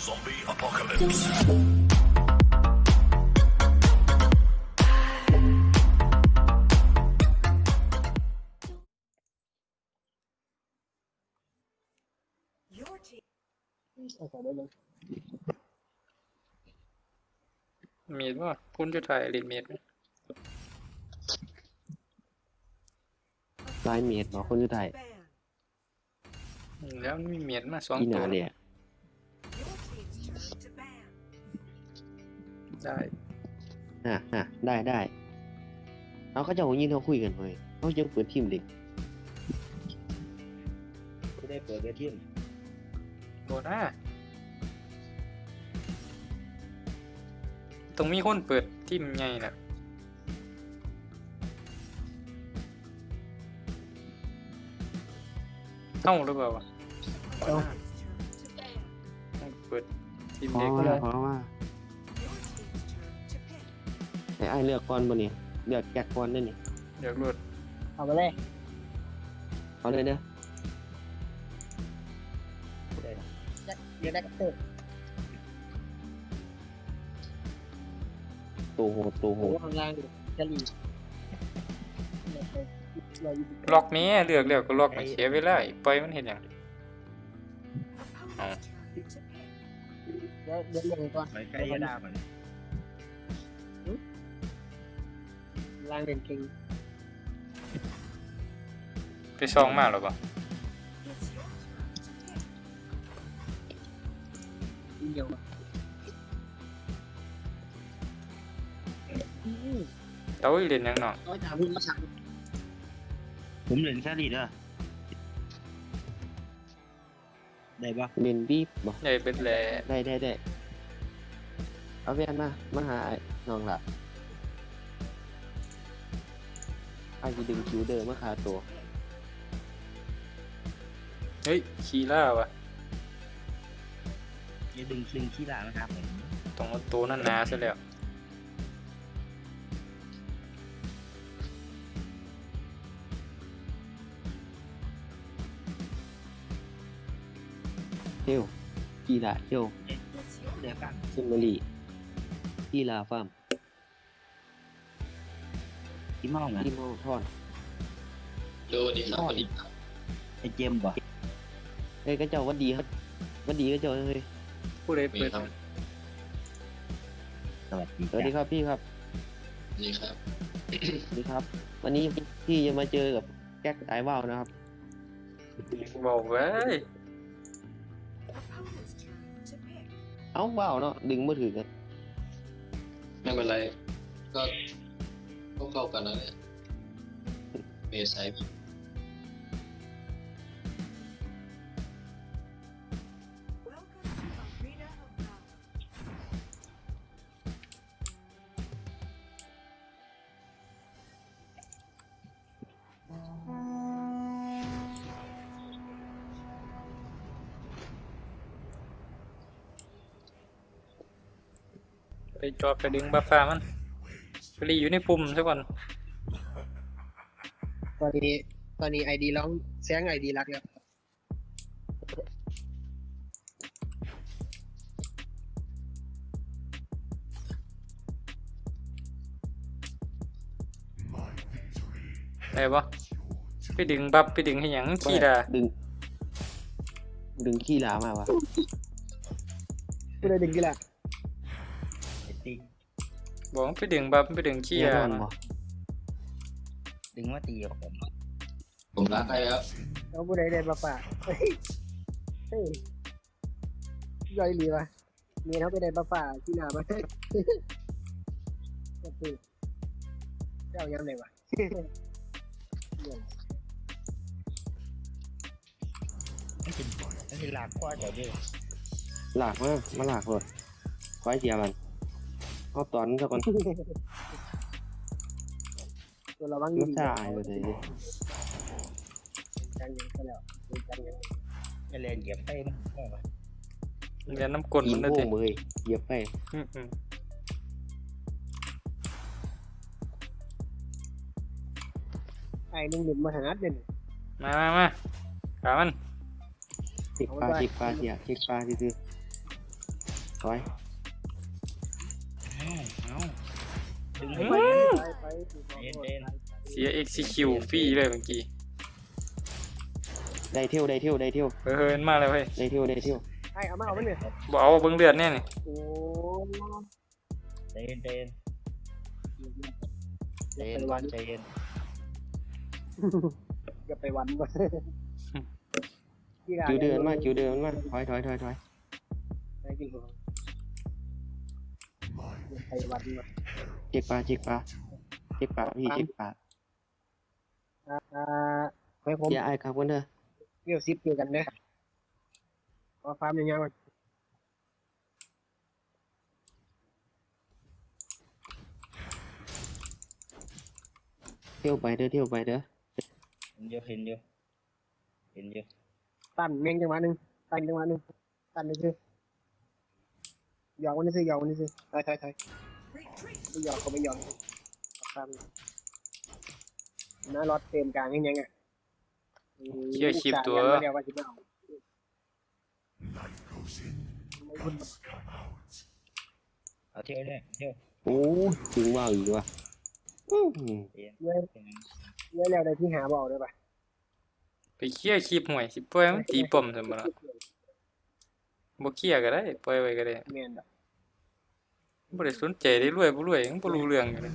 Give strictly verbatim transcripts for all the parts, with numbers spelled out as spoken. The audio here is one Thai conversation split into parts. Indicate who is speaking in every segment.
Speaker 1: Zombie apocalypse.
Speaker 2: Your team.
Speaker 3: เอาใส่ได้เลย
Speaker 4: เมดว่าคุณจะถ่ายรีเมดไหม
Speaker 5: ลายเมียดบอกคนจะไทย
Speaker 2: Ban.
Speaker 4: อืมแล้วมีเมดมาสอง
Speaker 5: อีห
Speaker 4: ตั
Speaker 5: นาว เนี่ย
Speaker 2: Your team's turn to ban.
Speaker 4: ได้
Speaker 5: อ่ะอ่ะได้ได้เอาเขาจะเอายินเขาคุยกันเลยเขาจะเปิดทีมเด็ก
Speaker 3: ไม่ได้เปิดเวทีม
Speaker 4: โบนะต้องมีคนเปิดทีมใหญ่น่ะเอ้าหรือเปล่าวะ
Speaker 2: Opponent's turn to ban.
Speaker 4: ต้องเปิดทีม
Speaker 5: เพราะ
Speaker 4: เด็ก
Speaker 5: ว่าเพราะว่า
Speaker 2: Your team's turn to pick.
Speaker 5: ไอ้ไอ้เลือกก่อนบ่นี่เลือกแกะก่อนได้นี่
Speaker 4: เดี๋ยวรวด
Speaker 3: เอาไปเลย
Speaker 5: เอาเลยเด้อ
Speaker 3: เดี๋ยวได้กับเตอร์
Speaker 5: ตัวโหดตัวโห
Speaker 3: โอ้
Speaker 5: ด
Speaker 3: ข้างล่างดิจะรีเราอยู่
Speaker 4: ล็อกแม่เลือกเลือกก็ล็อกไม่เสียเวลาอีกปล่อยมันเห็นอย่าง
Speaker 2: Opponent's turn to pick.
Speaker 3: เดี๋ยวเดี๋ยวลงก่อน
Speaker 6: ไปใกล้ยาดามัน
Speaker 3: ล่างเด่นเก่ง
Speaker 4: ไปซองมากหรอปะ
Speaker 2: It's your turn to pick.
Speaker 3: อีเดียวอะอืม
Speaker 4: เต้าอีเล่นยังเนาะ
Speaker 3: เอาไปถามคุณมาสั่ง
Speaker 6: ผมเล่นซาดีเด้อได้ปะ
Speaker 5: เล่นบีบบ่
Speaker 4: ใหญ่เป็นแหล่
Speaker 5: ได้ได้ได้เอาแว่นมามาหาไอ้น้องละไอ้ที่ดึงคิวเดิมมาคาตัว
Speaker 4: เฮ้ยคีล่าวะ
Speaker 6: อย่าดึงดึงขี้ลานะครับผม
Speaker 4: ต้องเอาตัวนั่นหนาซะแล้ว
Speaker 5: เที่ยวกีฬาเที่ยว
Speaker 2: It's your
Speaker 6: เดี๋ยวกัน
Speaker 5: ซิมเมอรี่กีฬาฟาร์ม
Speaker 6: ที่มองนะ
Speaker 5: ที่มองทอน
Speaker 7: ดูดีครับสวัสดีครับ
Speaker 6: ไอเจมส์บ่
Speaker 5: เอ้ยก็เจ้าวัดดีครับวัดดีก็เจ้าเฮ้ย
Speaker 4: ผู้ใด
Speaker 7: มี
Speaker 4: เปิด
Speaker 7: ครับ
Speaker 6: สวัสดี
Speaker 5: สวัสดีครับพี่ครับ
Speaker 7: นี่ครับ
Speaker 5: สวัสดีครับ วันนี้พี่จะมาเจอกับแก๊กไอว่าวนะครับ
Speaker 4: บอกไว้
Speaker 2: opponent's turn to pick.
Speaker 5: เอ้าว่าวเนาะดึงมือถือกัน
Speaker 7: ไม่เป็นไร ก็ก็เข้ากันนะเนี่ยเมย์ไซด์
Speaker 2: Welcome to Arena of Valor.
Speaker 4: ไปจอบไปดึงบัฟฟ้ามันไปรีอยู่ในปุ่มซะก่อน
Speaker 3: ตอนนี้ตอนนี้ไอดีร้องแซงไอดีรักแล้ว
Speaker 4: ได้ปะไปดึงบัฟไปดึงให้หยังขี้ดา
Speaker 5: ดึง ดึงขี้หลามาวะ
Speaker 3: กูได้ดึงกี่ละ
Speaker 6: ไอติ๊ก
Speaker 4: บอกว่าไปดึงบัฟไปดึงขี้
Speaker 5: แน่
Speaker 4: ดาน
Speaker 5: อนบ่
Speaker 6: ดึงว่าตีกับผม
Speaker 7: ผมรักใครครับ
Speaker 3: เอาผู้ใดได้มาฝากเฮ้ยเฮ้ยย่อยดีวะเมียเขาไปได้มาฝากที่หน้ามาก็คือเจ้ายังไงวะ
Speaker 6: นั่นเป็นนั่นเป็นลากข้อเดี๋ยวนี้
Speaker 5: หลากมามาหลากเลยไว้เสียมันเอาตอนซะก่อน
Speaker 3: ตัวระวัง
Speaker 5: มั
Speaker 3: ดี
Speaker 5: น
Speaker 3: ๆ
Speaker 5: จะอายไปเลย
Speaker 3: จังยังก็แล้วจังยัง
Speaker 6: จะเล่นเหยียบไปมั้งได้ปะ
Speaker 4: เรียนน้ำกล
Speaker 5: กิ
Speaker 4: มัน นได้
Speaker 5: โง่
Speaker 4: สิ
Speaker 5: มือเหยียบไป
Speaker 4: อืมอืม
Speaker 3: ไอ้นึ่งหนึ่งมาหาเด่น
Speaker 4: มามามาขามัน
Speaker 5: เช็คปลาเช็คปลาเสียเช็คปลาซื่อถอย
Speaker 6: เอ้าเอ้าดึง
Speaker 4: อื
Speaker 6: ไป
Speaker 4: ม
Speaker 3: ไปไปถูกต้อง
Speaker 6: เย็นเย็น
Speaker 4: เสีย เอ็กซ์ ซี คิว ฟรีเลยเมื่อกี้
Speaker 5: ได้เที่ยวได้เที่ยวได้เที่ยว
Speaker 4: เฮ้ยเฮ้ยมันมาแล้วเฮ้ย
Speaker 5: ได้เที่ยวได้เที่ยว
Speaker 3: ไอ้เอามาเอามันเนี่ย
Speaker 4: บ่เอาเบิ่งเลือดแน่นี่
Speaker 3: โอ้
Speaker 6: ใจเย็นใจเย็นใจเย็นก่อนใจเย็น
Speaker 3: อย่าไปวันก่อน
Speaker 5: คิวเดินมาคิวเดินมาถอยถอยถอยถอย
Speaker 3: ไปกินของอย่าไปวันก่อน
Speaker 5: เจ็กปลาเจ็กปลาเจ็กปลาพี่เจ็กปลา
Speaker 3: อ่าให้ผม
Speaker 5: อย่าอายครับกันเด้อ
Speaker 3: เกี่ยวซิปเกี่ยวกันเด้อขอฟาร์มยังไงวะ
Speaker 5: เที่ยวไปเด้อเที่ยวไปเด้อ
Speaker 6: เห็นเยอะเห็นเยอะเห็นเยอะ
Speaker 3: ตั้นเมงจังหวะหนึ่งตั้นจังหวะหนึ่งตั้นนี่คือหยอกวันนี้ซื้อหยอกวันนี้ซื้อถอยถอยถอย
Speaker 2: Retreat.
Speaker 3: ไม่หยอกก็ไม่หยอกฟาร์มน้ารถเต็มกลางยังไงอ่ะ
Speaker 4: เชี่ยคลิปตัว
Speaker 3: เดียวว่าจะไม่เอา
Speaker 6: เอาเที่ยวเนี่ยเที่ยว
Speaker 5: โอ้ยถึงว่าอีกว่ะอื้อหือ
Speaker 6: เย็น
Speaker 3: เยอะเยอะแล้วได้ที่หาบอกได้ปะ
Speaker 4: ไปเคลียร์คลิปห่วยสิปล่อยมันตีป้อมซั่นบ่ล่ะบ่เคลียร์ก็ได้ปล่อยไว้ก็ได้
Speaker 3: เมียนแบบ
Speaker 4: บ่ได้สนใจได้รวยบ่รวยยังบ่รู้เรื่องอยู่เลย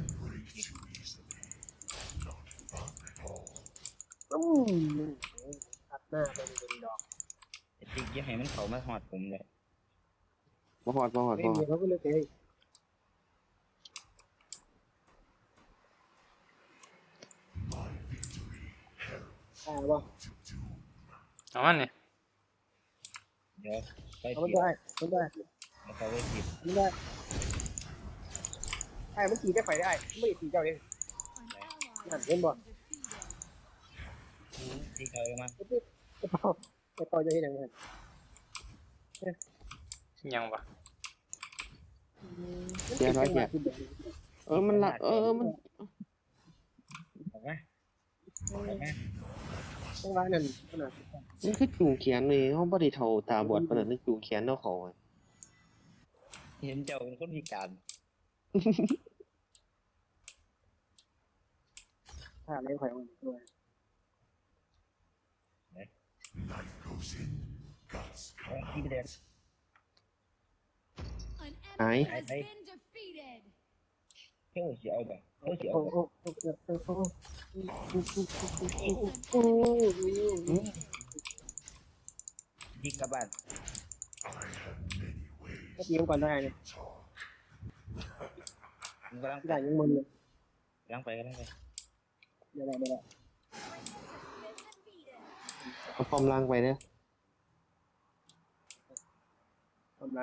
Speaker 3: อืมตัดหน้าเป็นเป็นดอก
Speaker 6: ไอ้ติ๊กอยังให้มันเขามาหอดผมเลย
Speaker 5: บ่หอดบ่หอด
Speaker 3: เฮ้ย
Speaker 5: บ่หอ
Speaker 3: เมี
Speaker 5: ด
Speaker 3: ยเขาก็เลยเฮ้ยอ่าบ่
Speaker 4: เอามันนี่
Speaker 6: เดี๋ยวไป
Speaker 3: เอามัน
Speaker 6: ผิด
Speaker 3: ได้มันได้
Speaker 6: แล้วเขาไปผิด
Speaker 3: มันได้ไอ้มันขี่ได้ไฟได้ไม่ได้ขี่เจ้าเองนั่นเห็นบ่
Speaker 6: ที่เขาเอามา
Speaker 3: ไอ้ที่ไอ้เป่าไอ้เป่าจะเห็นยังไง
Speaker 4: ยังวะ
Speaker 5: เสียร้อยเสียเออมันละเออมัน
Speaker 6: ออกมาออกมา
Speaker 3: จังหวะนั้นขนาด
Speaker 5: มันคือจูงแขนเลยเขาบ่ได้เท่าตาบอดปานนั้นมันจูงแขนเอาเขาอะ
Speaker 6: เห็นเจ้าเป็นคนพิการ
Speaker 3: ถ้าเลี้ยงไข่มันด้วย
Speaker 6: เอาที่ไปเดิน
Speaker 5: หาย
Speaker 6: ไอ้ไอ้เที่ยวสิเอาแบบเที่ยวสิเอา
Speaker 3: โอ้
Speaker 6: แบบ
Speaker 3: โอ้โอ้โอ้โอ้โอ้
Speaker 5: อืม
Speaker 6: ที่กลับบ้าน
Speaker 3: ก็ตีมก่อนได้เนี่ย
Speaker 6: มันกำลัง
Speaker 3: ได้ยังมึนเลย
Speaker 6: กำลังไปกำลังไป
Speaker 3: เดี๋ยวได้เดี๋ยวได้
Speaker 5: เอาปอมล้างไปเด้อ
Speaker 3: ทำไร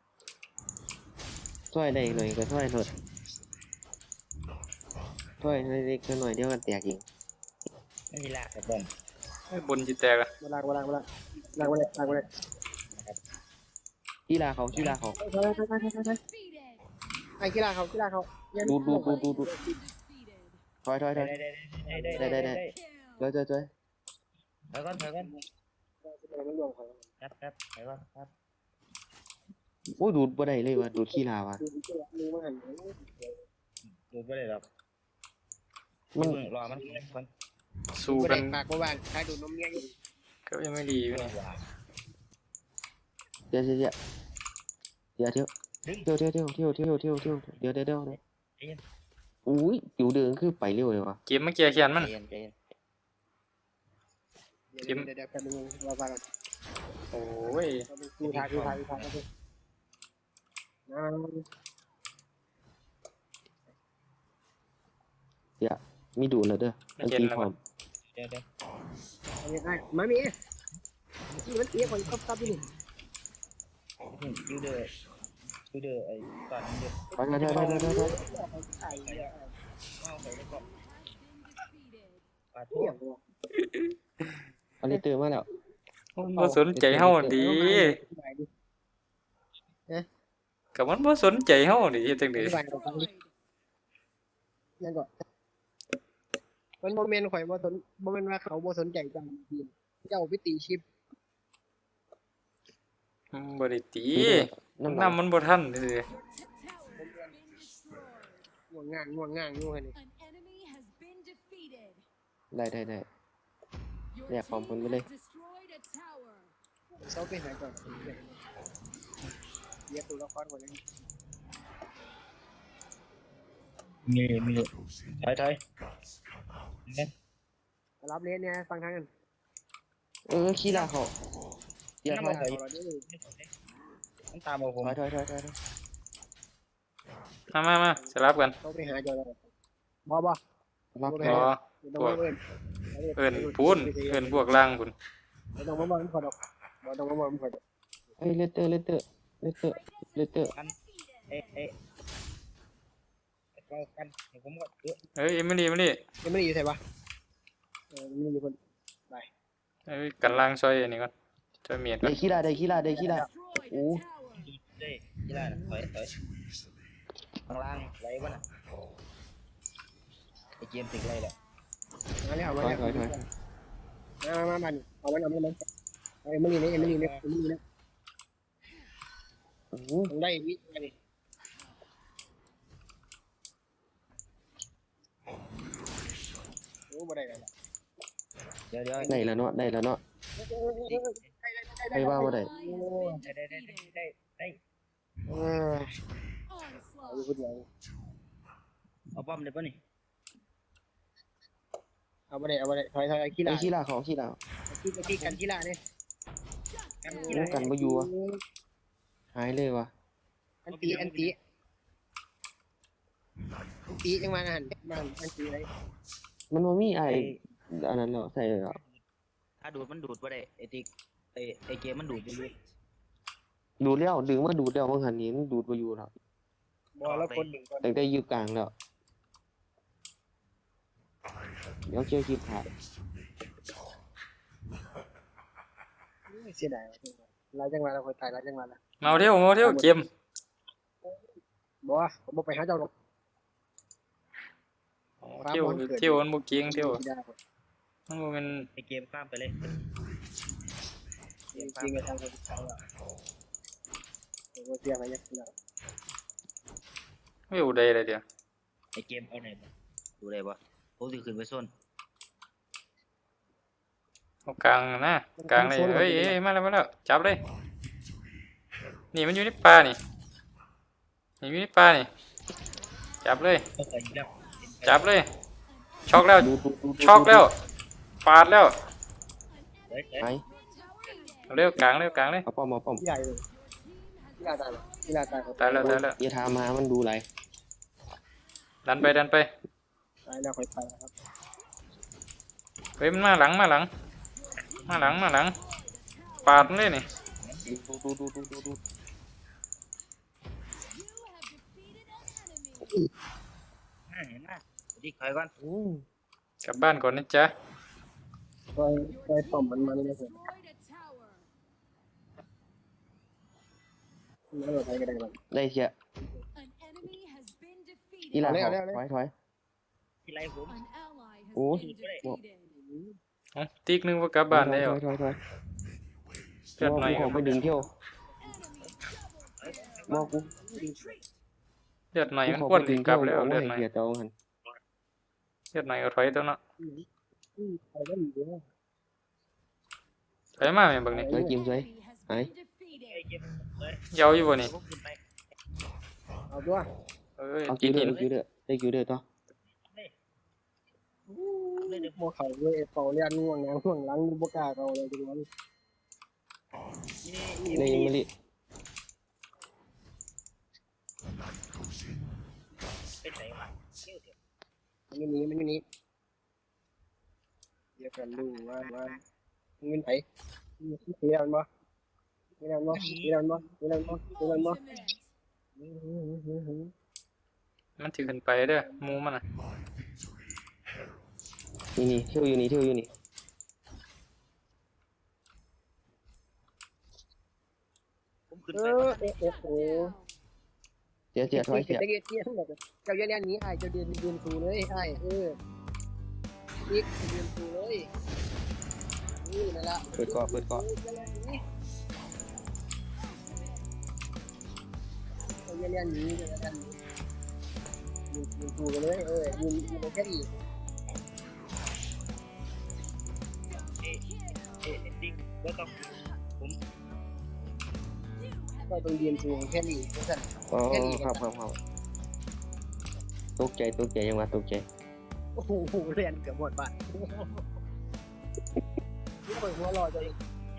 Speaker 5: ช่วยได้หน่อยก็ช่วยเถิดช่วยเล็กๆหน่อยเดี๋ยวกันแตกอีก
Speaker 6: ไม่มีลากกับบอม
Speaker 4: ไอ้บนสิแตกอ่ะ
Speaker 3: เวลาเวลาเวลาลากมาเลยลากมาเลย
Speaker 5: กีฬาเขากีฬาเขา
Speaker 3: ไปไปไปไปไปไอ้กีฬาเขากีฬาเขา
Speaker 5: ดูดูดูดูดูถอยถอยถ
Speaker 6: ได้
Speaker 5: อย
Speaker 6: ได้ได้ได้ได้ได้
Speaker 5: เจ้ยเจ้ยเจ้ย
Speaker 6: ถอยก่อนถอยก่อน
Speaker 3: มันรวมเขา
Speaker 6: ครับครับถอยก่อนครับ
Speaker 5: โอ้ยดูดบ่ได้เลยว่ะดูดขี้ลาวะ
Speaker 3: ดูดูมือมัน
Speaker 6: ดูไม่ได้หรอก
Speaker 5: มัน
Speaker 6: เพิ่งรอมันก่อน
Speaker 4: สู้
Speaker 3: ไม่
Speaker 4: กั
Speaker 3: ได้
Speaker 4: น
Speaker 3: ปากว่าใครดูนมเงี้ยอยู่
Speaker 4: ก็ยังไม่ดีอยู่นี่
Speaker 5: เดี๋ยวเดี๋ยวเดี๋ยวเดี๋ยวเที่ยวเที่ยวเที่ยวเที่ยวเที่ยวเที่ยวเที่ยวเที่ยวเดี๋ยวเดี๋ยวเดี๋ยวอุ้ยอยู่เดินคือไปเร็วเลยวะ
Speaker 4: เกมเมื่อกี้แค้นมัน
Speaker 6: ใจเย็นใจเย็น
Speaker 3: เดี๋ยวเดี๋ยวเดี๋ยวกันนึงเราฟังกัน
Speaker 4: โอ้ย
Speaker 3: ดูทางดูทางดูทางกันนะ
Speaker 5: มีดูดแล้วเด้อ
Speaker 4: ไม่
Speaker 5: มัน
Speaker 4: เห็น
Speaker 5: ตี
Speaker 4: แล้ว
Speaker 5: พร้อ
Speaker 4: วะ
Speaker 5: ม
Speaker 6: เดี๋ยวเดี๋ยว
Speaker 3: เอาไงมามีที่มันเตี้ยคนตับตับอยู่
Speaker 6: ยูเดอร์ยูเดอร์ไอ้ตอนนี้เดี๋ยว
Speaker 5: ไปเดี๋ยวเดี๋ยวเดี๋ยวเดี๋ยวเดี๋ยว
Speaker 3: ไอ้เหี้ย
Speaker 6: เอาไปแล้วก็ปาด
Speaker 3: เหี้
Speaker 6: ทั่วย
Speaker 5: อันนี้ตื่นมาแล้ว
Speaker 4: มันบ่สนใจเฮาดีก็มันบ่สนใจเฮาดิเฮ็ดจังได๋
Speaker 3: ยังก่อนมันโมเมนต์ข่อยบ่สนโมเมนต์ว่าเขาบ่สนใจจังทีมเจ้าไปตีชิป
Speaker 4: อืมบ่ได้ตี
Speaker 5: น้ำหนัก
Speaker 4: น้ำมันบ่ทันซื่อ
Speaker 3: ง่วงง่างง่วงง่างง่วงนี่
Speaker 5: ได้ได้ได้แยกความคนไปเลย
Speaker 3: เซาไปหาก่อนเรียกตัวละครก่อนเลย
Speaker 6: มีมีถอยถอยเนี่ย
Speaker 3: รับเลนเนี่ยฟังทางกัน
Speaker 5: เออขี้ลาเขาอย่าถอยถอย
Speaker 3: เราด้วย
Speaker 6: มันตามมาผม
Speaker 5: ถอยถอยถอยถอย
Speaker 4: มามามาสลับกัน
Speaker 3: เซาไปหาจอเลยบอบอ
Speaker 5: ล็อก
Speaker 4: อ๋อ
Speaker 3: ต้องมาเอิญ
Speaker 4: เอิ้นพูนเอิ้นพวกล่างพุ่น
Speaker 3: ไม่ต้องมาบอกมันขอดอกบอต้องมาบอกมันขอดอก
Speaker 5: เอ้ยเลตเตอร์เลตเตอร์เลตเตอร์เลตเตอร์
Speaker 6: เอ๊ะเอ๊ะเรากันผมก็เยอะ
Speaker 4: เอ้ยเอมิลี่เอมิลี่
Speaker 3: ยังไม่ได้อยู่ใช่ปะเออมีอยู่คน
Speaker 4: เอ้ยกันล่างซอยอันนี้ก่อนซอยเมียดก่อ
Speaker 5: ได้
Speaker 4: น
Speaker 5: ขี้ลาได้ขี้ลาได้ขี้ลาโอ้
Speaker 6: เด้ยี่ล่าถอยถอยข้างล่างไหลวะน่ะไอเกมติดไรแหละ
Speaker 3: มาแล้ว
Speaker 5: ถ
Speaker 3: มา
Speaker 5: อย
Speaker 3: แล้ว
Speaker 5: ถอยถอย
Speaker 3: มามามาเอามันเอามันเอามันนี่นี่นี่นี่นี่นี่
Speaker 5: โอ้โห
Speaker 3: ต้องได้วิมาดิโอ้บ่ได้แล้ว
Speaker 6: เดี๋ยวเดี๋ยว
Speaker 5: ได้แล้วเนาะได้แล้วเนาะไปว่าบ่ได้
Speaker 6: ได้ได้ได้ได้ได้
Speaker 3: เออเอาอยู่คนเดียว
Speaker 6: เอาป้อมได้ปะนี่
Speaker 3: เอาบ่ได้เอาบ่ได้ถอยถอยขี้
Speaker 5: ไอ้
Speaker 3: ลา
Speaker 5: ขี้ลาเขาขี้ลา
Speaker 3: ขี้ขี้กันขี้ลาเนี่ย
Speaker 6: กัน
Speaker 5: โอ้กันบ่อยู่อะหายเลยว่ะ
Speaker 3: อันตีอันตีอันตีจังมาหันบ้านอันตีอะไร
Speaker 5: มันบ่มีไอ้อันนั้นเนาะใส่แล้ว
Speaker 6: ถ้าดูดมันดูดปะได้ไอติ๊กไอไอเกมมันดูดไปเลย
Speaker 5: ดูดแล้วดึงมาดูดแล้วบางหันนี้มันดูดบ่อยู่แล้ว
Speaker 3: บอแล้วคนหนึ่งคน
Speaker 5: ตั้งแต่อยู่กลางแล้วเดี๋ยวเกี่ยวคลิปถ่าย
Speaker 3: เสียดายเราจังหวะเราคนตายเราจังหวะละ
Speaker 4: มาเอาเที่ยวมาเอาเที่ยวเกม
Speaker 3: บอผมบอกไปหาเจ้าหรอก
Speaker 4: เที่ยวเที่ยวมันบ่เก่งเที่ยวมันบ่แม่น
Speaker 6: ไอเกมข้ามไปเลย
Speaker 3: จริงๆก็ทำคนตายละเราเสียอะไรเนี่ย
Speaker 4: เว้ยได้เลยเดี๋ยว
Speaker 6: ไอเกมเอาไหนมาดูได้ปะผมจะขึ้นไปส้น
Speaker 4: เอากลางนะกลางเลยเอ้ยเอ้ยมาแล้วมาแล้วจับเลยนี่มันอยู่ในป่านี่นี่อยู่ในป่านี่จับเลย
Speaker 6: ก็ใส่แล้ว
Speaker 4: จับเลยช็อกแล้ว
Speaker 5: ดูดูดู
Speaker 4: ช็อกแล้วปาดแล้ว
Speaker 6: เฮ้ย
Speaker 5: ไป
Speaker 4: เอาเร็วกลางเร็วกลางเลย
Speaker 5: เอาป้อมเอาป้อม
Speaker 3: ที่ใหญ่เลยที่ลาตายที่ลาตาย
Speaker 4: ตายแล้วตายแล้ว
Speaker 5: อย่าถามหามันดูไร
Speaker 4: ดันไปดันไป
Speaker 3: ตายแล้วค่อยตายครับ
Speaker 4: เฮ้ยมันมาหลังมาหลังมาหลังมาหลังปาดมันเลยนี่
Speaker 5: ดูดูดูดูดูดู
Speaker 6: เห็นไหมติ๊กถอยก่อน
Speaker 5: อืม
Speaker 4: กลับบ้านก่อนนะจ๊ะ
Speaker 3: คอยคอยต่อมมันมาเลยนะผมแล้วเราใช้กันได้บ้าง
Speaker 5: ได้เชียอีหลาเขาถอยถอย
Speaker 6: ที่ไรผม
Speaker 5: โอ้ย
Speaker 4: เอาติ๊กนึงว่ากลับบ้านแล้ว
Speaker 5: ถอยถอยถอย
Speaker 4: เลือดหน่อย
Speaker 5: กูขอไปดึงเที่ยวบอกกู
Speaker 4: เลือดหน่อย
Speaker 5: กู
Speaker 4: มัน
Speaker 5: ขอ
Speaker 4: ควร
Speaker 5: ไป
Speaker 4: สิ
Speaker 5: ดึง
Speaker 4: กลั
Speaker 5: เที่ยว
Speaker 4: บแล้ว
Speaker 5: เอา
Speaker 4: เลือดหน่อย
Speaker 5: ไว้เกียรเจ้าหัน
Speaker 4: เลือดหน่อยก็ถอยตัวเนาะ
Speaker 3: ใครก็ดีเลย
Speaker 4: ถอยมาแม่บักนี่
Speaker 5: เฮ้ยกิมสวยหาย
Speaker 6: ไอเกมเลย
Speaker 4: เยาอยู่บ่นี่
Speaker 6: ผมขึ้นไป
Speaker 3: เอาตัว
Speaker 4: เอ้ย
Speaker 5: เอา
Speaker 4: ติ
Speaker 5: คิ
Speaker 4: ด
Speaker 5: วเด้
Speaker 4: หิ
Speaker 5: อน ได้คิวเด้อต่อ
Speaker 6: เลยเดี๋ยว
Speaker 3: โมเขาด้วยเป่าเลียนง่วงงง่วงหลังบุกาเขาเลยทุกวัน
Speaker 5: ในมะลิ
Speaker 6: เป็นไหนวะเที่ยวเดี๋ยว
Speaker 3: มันอยู่นี้มันอยู่นี้เดี๋ยวกันดูว่าว่าเงินไผมีสีดำบ่สีดำบ่สีดำบ่สีดำบ่สีดำบ่
Speaker 4: มันสิขึ้นไปเด้อหมูมันน่ะ
Speaker 5: นี่นี่เที่ยวอยู่นี่เที่ยวอยู่นี่
Speaker 6: ผมขึ้น
Speaker 3: เอ
Speaker 6: ไป
Speaker 3: อโอ้โห
Speaker 5: เสียเสียถอยเสีย
Speaker 3: เตี้ยเตี้ยทั้งหมดเจ้าเลี้ยนนี้ไอ้เจ้าเดินเดินสูเลยไอ้เอออีกเดินสูเลยนี่นั่นละ
Speaker 5: เปิดเกาะเปิดเกาะ
Speaker 3: เเรียนนี้จะกันยืนยืนดูกันเลยเออยืนยืนแค่นี้
Speaker 6: เอ๊ะเอ๊ะติ๊กแล้วต้อง
Speaker 3: ก็ต้องยืนดูแค่นี้ทุกท่าน
Speaker 5: อ๋อครับครับครับตกใจตกใจยังว่าตกใจ
Speaker 3: โอ้โหเรียนเกือบหมดบ้านนี่เปิดหัวรอตัวเอง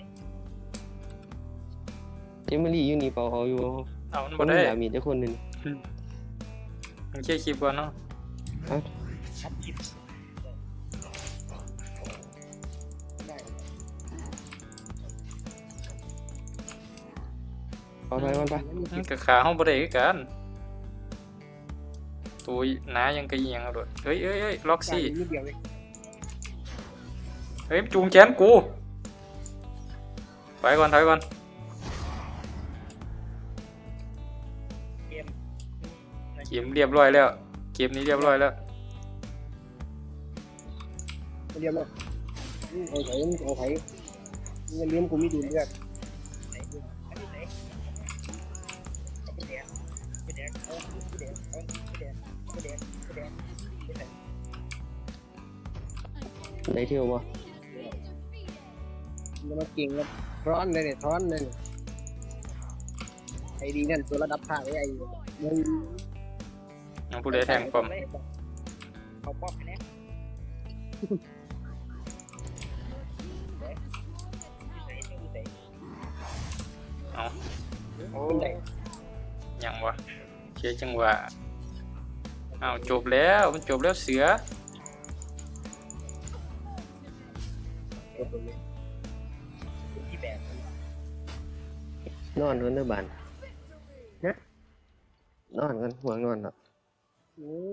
Speaker 5: เจมลี่อยู่นี่เปล่าเอาอยู่
Speaker 4: เอามัน
Speaker 5: ค
Speaker 4: บ่
Speaker 5: น
Speaker 4: ได้
Speaker 5: นี้อยากมีแต่คนหนึง
Speaker 4: มันเคลียร์คลิปก่อนเนาะ
Speaker 6: ชัดคิด
Speaker 5: เอาไปมันไป
Speaker 4: มันก็ขาเฮาบ่ได้คือกันตัวหนายังกะอีหยังเอาโดดเฮ้ยเอ้ยเอ้ยล็อกซี่
Speaker 3: นิดเดียวเลย
Speaker 4: เฮ้ยจูงแขนกูถอยก่อนถอยก่อน
Speaker 6: เกม
Speaker 4: เกมเรียบร้อยแล้วเกมนี้เรียบร้อยแล้ว
Speaker 3: เรียบเลยเอาไถเอาไถเงินเลี้ยงกูไม่ดูเลือด
Speaker 6: อันนี้ไหนเอาไปแดงไปแดงเอาไปแดงเอาไปแดงไปแดงไปแดงไปแดง
Speaker 5: ได้เที่ยวบ่
Speaker 3: มันมาเก่งแล้วร้อนเลยเนี่ยร้อนเลยไอ้ดีนั่นตัวระดับภาคไอ้มัน
Speaker 4: น้องผู้ใดแทงป้อม
Speaker 6: เขาป๊อปไปแล้ว
Speaker 4: เอา
Speaker 6: โอ้
Speaker 3: เป็นไร
Speaker 4: ยังวะเชียจังหวะเอาจบแล้วมันจบแล้วเสือ
Speaker 6: ที่แบบ
Speaker 5: นอนกันเด้อบ้านนอนกันห่วงนอนเนาะ
Speaker 3: โอ้